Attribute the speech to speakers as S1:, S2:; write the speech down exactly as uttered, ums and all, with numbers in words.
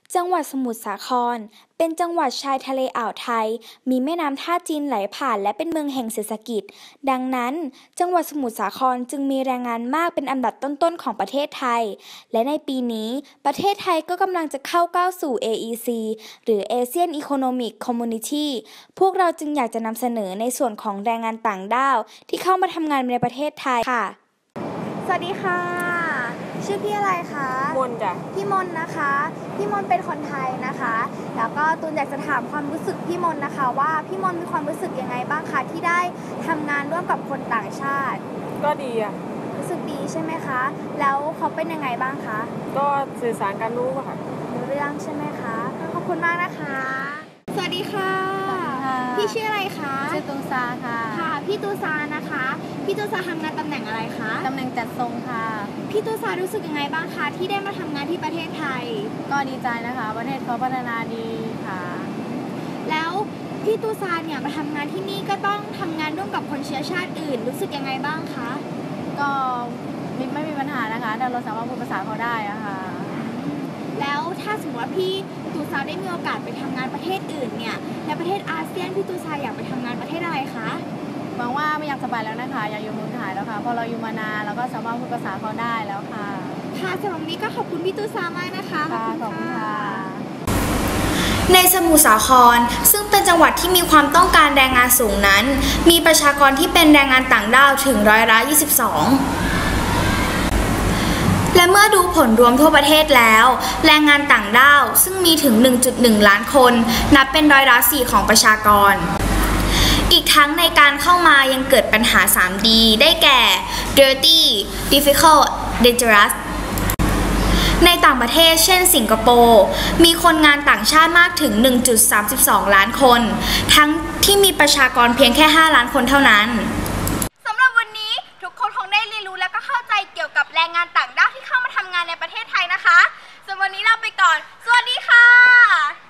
S1: จังหวัดสมุทรสาครเป็นจังหวัดชายทะเลอ่าวไทยมีแม่น้ำท่าจีนไหลผ่านและเป็นเมืองแห่งเศรษฐกิจดังนั้นจังหวัดสมุทรสาครจึงมีแรงงานมากเป็นอันดับต้นๆของประเทศไทยและในปีนี้ประเทศไทยก็กำลังจะเข้าก้าวสู่ เอ อี ซี หรือ Asian Economic Community พวกเราจึงอยากจะนำเสนอในส่วนของแรงงานต่างด้าวที่เข้ามาทำงานในประเทศไทยค่ะสวัสดีค่ะชื่อพี่อะไรคะ
S2: มนจ้ะ
S1: พี่มนนะคะพี่มนเป็นคนไทยนะคะแล้วก็ตูนอยากจะถามความรู้สึกพี่มนนะคะว่าพี่มนมีความรู้สึกยังไงบ้างคะที่ได้ทำงานร่วมกับคนต่างชาติ
S2: ก็ดีอ่ะ
S1: รู้สึกดีใช่ไหมคะแล้วเขาเป็นยังไงบ้างคะ
S2: ก็สื่อสารกันรู้ค่ะ
S1: รู้เรื่องใช่ไหมคะขอบคุณมากนะคะสวัสดีค่ะพี่ชื่ออะไรคะ
S3: ชื่อตูซาค่ะ
S1: ค่ะพี่ตูซานะคะพี่ตูซาทำงานตำแหน่งอะไรคะ
S3: ตำแหน่งจัดทรงค่ะ
S1: พี่ตูซารู้สึกยังไงบ้างคะที่ได้มาทำงานที่ประเทศไทย
S3: ก็ดีใจนะคะประเทศเขาพัฒนาดีค่ะ
S1: แล้วพี่ตูซาเนี่ยมาทำงานที่นี่ก็ต้องทำงานร่วมกับคนเชื้อชาติอื่นรู้สึกยังไงบ้างคะ
S3: ก็ไม่มีปัญหานะคะแต่เราสามารถพูดภาษาเขาได้อะค่ะ
S1: แล้วถ้าสมมติว่าพี่ตูซาได้มีโอกาสไปทำงานประเทศอื่นเนี่ยในประเทศอาเซียนพี่ตูซาอยากไปทำงานประเทศอะไรคะ
S3: หวังว่าไม่อยากสบายแล้วนะคะอยากอยู่เมืองไทยแล้วค่ะพอเราอยู่มานานเราก็สามารถพูดภาษาเขาได้แล้วค่ะ
S1: ค่ะสำหรับวันนี้ก็ขอบคุณพี่ตูซามากนะคะ
S3: ขอบคุณค่ะ
S1: ในสมุทรสาครซึ่งเป็นจังหวัดที่มีความต้องการแรงงานสูงนั้นมีประชากรที่เป็นแรงงานต่างด้าวถึงร้อยละยี่สิบสองและเมื่อดูผลรวมทั่วประเทศแล้วแรงงานต่างด้าวซึ่งมีถึง หนึ่งจุดหนึ่ง ล้านคนนับเป็นร้อยละสี่ของประชากรอีกทั้งในการเข้ามายังเกิดปัญหา สาม ดี ได้แก่ dirty difficult dangerous ในต่างประเทศเช่นสิงคโปร์มีคนงานต่างชาติมากถึง หนึ่งจุดสามสอง ล้านคนทั้งที่มีประชากรเพียงแค่ห้าล้านคนเท่านั้นสำหรับวันนี้ทุกคนคงได้เรียนรู้และก็เข้าใจเกี่ยวกับแรงงานต่างด้าวที่เข้ามาทำงานในประเทศไทยนะคะสำหรับวันนี้เราไปก่อนสวัสดีค่ะ